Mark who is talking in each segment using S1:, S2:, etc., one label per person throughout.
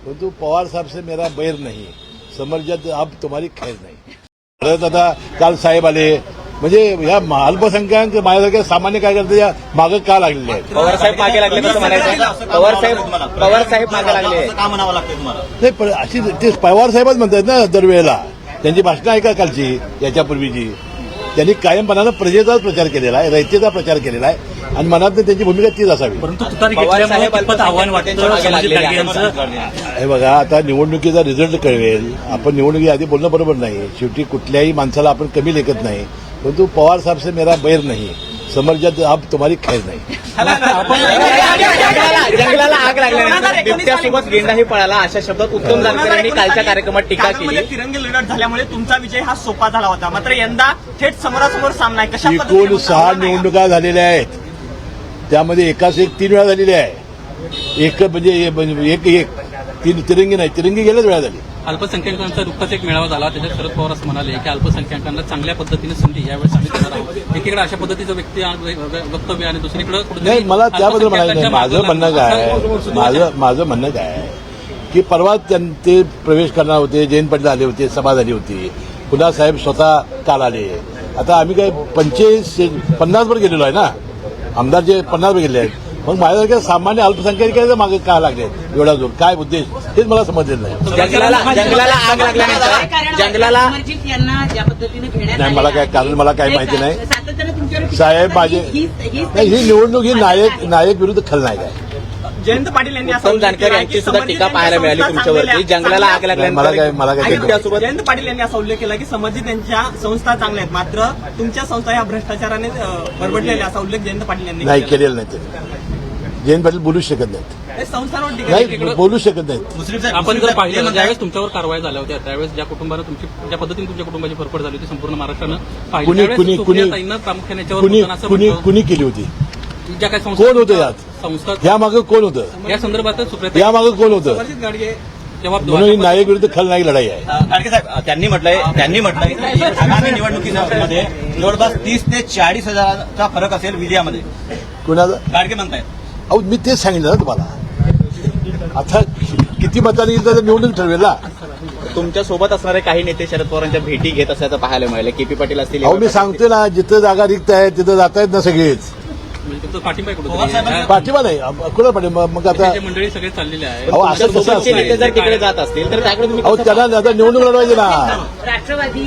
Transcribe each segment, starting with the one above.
S1: परंतु पवार साहेब से मेरा बैर नहीं, समर्जित अब तुम्हारी खैर नाही. परत आता काल साहेब आले, म्हणजे या अल्पसंख्याक माझ्यासारख्या सामान्य कार्यकर्त्याच्या मागं का लागलेले आहेत.
S2: पवार साहेब मागे लागले कसं म्हणायचं? पवार साहेब मागे लागले
S3: का म्हणावं लागतंय तुम्हाला?
S1: नाही, पण अशी ते पवार साहेबच म्हणतात ना दरवेळेला. त्यांची भाषणं ऐका कालची, याच्यापूर्वीची. त्यांनी कायमपणानं प्रजेचाच प्रचार केलेला आहे, रयतेचा प्रचार केलेला आहे आणि मनात त्यांची भूमिका तीच असावी.
S3: परंतु तुतारी घेतल्यामुळे कितपत आव्हान वाटतं संभाजी गाडगे यांचं?
S1: हे बघा, आता निवडणुकीचा रिझल्ट कळवेल. आपण निवडणुकी आधी बोलणं बरोबर नाही. शेवटी कुठल्याही माणसाला आपण कमी लेखत नाही. परंतु पवार साहेब से मेरा बैर नहीं, समर्जित अब तुम्हारी खैर नाही.
S2: जंगलाला आग लागल्यानंतर बिबट्यासोबत गेंडाही पळाला, अशा शब्दात उत्तम जानकर यांनी कालच्या कार्यक्रमात टीका केली.
S4: तिरंगी लढत झाल्यामुळे तुमचा विजय हा सोपा झाला होता, मात्र यंदा थेट समोरासमोर सामना आहे. कशा
S1: एकूण 6 निवडणुका झालेल्या आहेत, त्यामध्ये एकाच एक 3 वेळा झालेली आहे. एक म्हणजे एक तिरंगी नाही, तिरंगी गेल्याच वेळा झाली.
S5: अल्पसंख्याकांचा नुकताच एक मेळावा झाला, त्याच्यात शरद पवार असं म्हणाले की अल्पसंख्याकांना चांगल्या पद्धतीने संधी यावेळेस आम्ही देणार आहोत. एकीकडे अशा पद्धतीचं वक्तव्य आणि दुसरीकडे
S1: नाही, मला त्याबद्दल म्हणायचं नाही. माझं म्हणणं काय आहे की परवा ते प्रवेश करणार होते, जयंत पाटील आले होते, सभा झाली होती, पुन्हा साहेब स्वतः काल आले. आता आम्ही काय 50 वर गेलेलो आहे ना, आमदार जे 50 वर गेले आहेत. मग माझ्यासारख्या सामान्य अल्पसंख्याकांच्या मागे का लागले एवढा जोर, काय उद्देश, हेच मला समजलेलं नाही.
S2: जंगलाला आग लागल्यानंतर जंगलाला
S1: नाही, मला काय कारण मला काय माहिती नाही. साहेब माझे नाही, ही निवडणूक ही नायक विरुद्ध खलनायक आहे.
S4: जयंत पाटील यांनी
S2: उत्तम जानकर यांची सुद्धा टीका पाहायला मिळाली तुमच्यावरती. जंगलाला आग
S1: मला काय
S2: बिबट्यासोबत
S4: जयंत पाटील यांनी असा उल्लेख केला की संबंधित यांच्या संस्था चांगल्या आहेत, मात्र तुमच्या संस्था ह्या भ्रष्टाचाराने बरबडलेल्या, असा उल्लेख जयंत पाटील यांनी
S1: नाही केलेला नाही. ते जयंत पाटील बोलूच शकत नाहीत.
S4: संस्थांवर
S1: नाही, बोलू शकत नाहीत.
S5: आपण जर पाहिलं ज्यावेळेस तुमच्यावर कारवाई झाल्या होत्या त्यावेळेस ज्या कुटुंबानं ज्या पद्धतीने तुमच्या कुटुंबाची फरफड झाली होती संपूर्ण महाराष्ट्रानं पाहिली, प्रामुख्याने याच्यावर
S1: कुणी केली होती,
S5: ज्या काही
S1: कोण होतं यात,
S5: संस्था
S1: या मागे कोण होतं,
S5: या संदर्भात सुप्रिया
S1: या मागे कोण होतं,
S4: गाडगे
S1: म्हणून ही नायक विरुद्ध खलनायक लढाई आहे.
S3: गाडगे साहेब त्यांनी म्हटलंय की आगामी निवडणुकीमध्ये जवळपास 30 ते 40 हजाराचा फरक असेल विजयामध्ये.
S1: कुणाचा?
S3: गाडगे म्हणतायत.
S1: अहो, मी तेच सांगितलं ना तुम्हाला. आता किती मतांनी येईल तर निवडणूक ठरवेल ना.
S2: तुमच्या सोबत असणारे काही नेते शरद पवारांच्या भेटी घेत असल्याचं पाहायला मिळालं. केपी पाटील असतील.
S1: अहो, मी सांगतोय ना, जिथं जागा रिक्त आहे तिथं जात आहेत ना सगळेच.
S5: पाठिंबा
S1: पाठिंबा नाही, कुणा पाठिंबा? मग आता
S5: मंडळी सगळे चाललेले आहे.
S1: अहो, असं कसं
S2: सोबतचे नेते
S1: असतं?
S2: जर तिकडे जात असतील तर त्याकडे तुम्ही
S1: अहो, त्यांना आता निवडणूक लढवायची ना.
S6: राष्ट्रवादी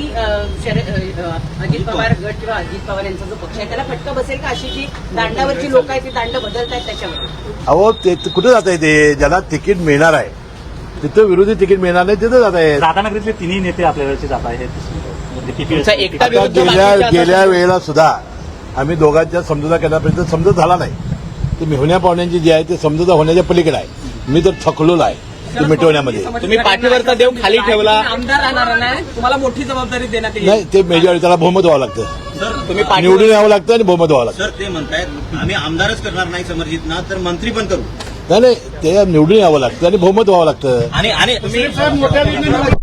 S6: अजित पवार गट किंवा अजित पवार यांचा जो पक्ष आहे त्याला फटका बसेल का, अशी जी दांडावरची लोक आहेत ती दांड बदलतायत त्याच्यावर?
S1: अहो, ते कुठे जात आहे? ते ज्याला तिकीट मिळणार आहे तिथं विरोधी तिकीट मिळणार नाही तिथं जात आहेत.
S3: राधानगरीतले तिन्ही नेते आपल्या वेळेचे जात आहेत.
S2: तुमचा एकटा
S1: आता गेल्या वेळेला सुद्धा आम्ही दोघांच्या समजुता करण्यापर्यंत समजत झाला नाही. ते मेहुण्या पाहुण्यांची जी आहे ते समजुता होण्याच्या पलीकडे आहे. मी तर थकलोला आहे ते मिटवण्यामध्ये.
S2: तुम्ही पाठीवरचा देव खाली ठेवला.
S4: आमदार राहणार नाही, तुम्हाला मोठी जबाबदारी देण्यात येईल.
S1: नाही, ते मेजॉरिटी त्याला बहुमत व्हावं लागतं.
S2: तुम्ही
S1: निवडून यावं लागतं आणि बहुमत व्हावं लागतं.
S3: सर ते म्हणतायत आम्ही आमदारच करणार नाही समर्जित ना, तर मंत्री पण करू.
S1: नाही, ते निवडून यावं लागतं आणि बहुमत व्हावं लागतं.
S3: आणि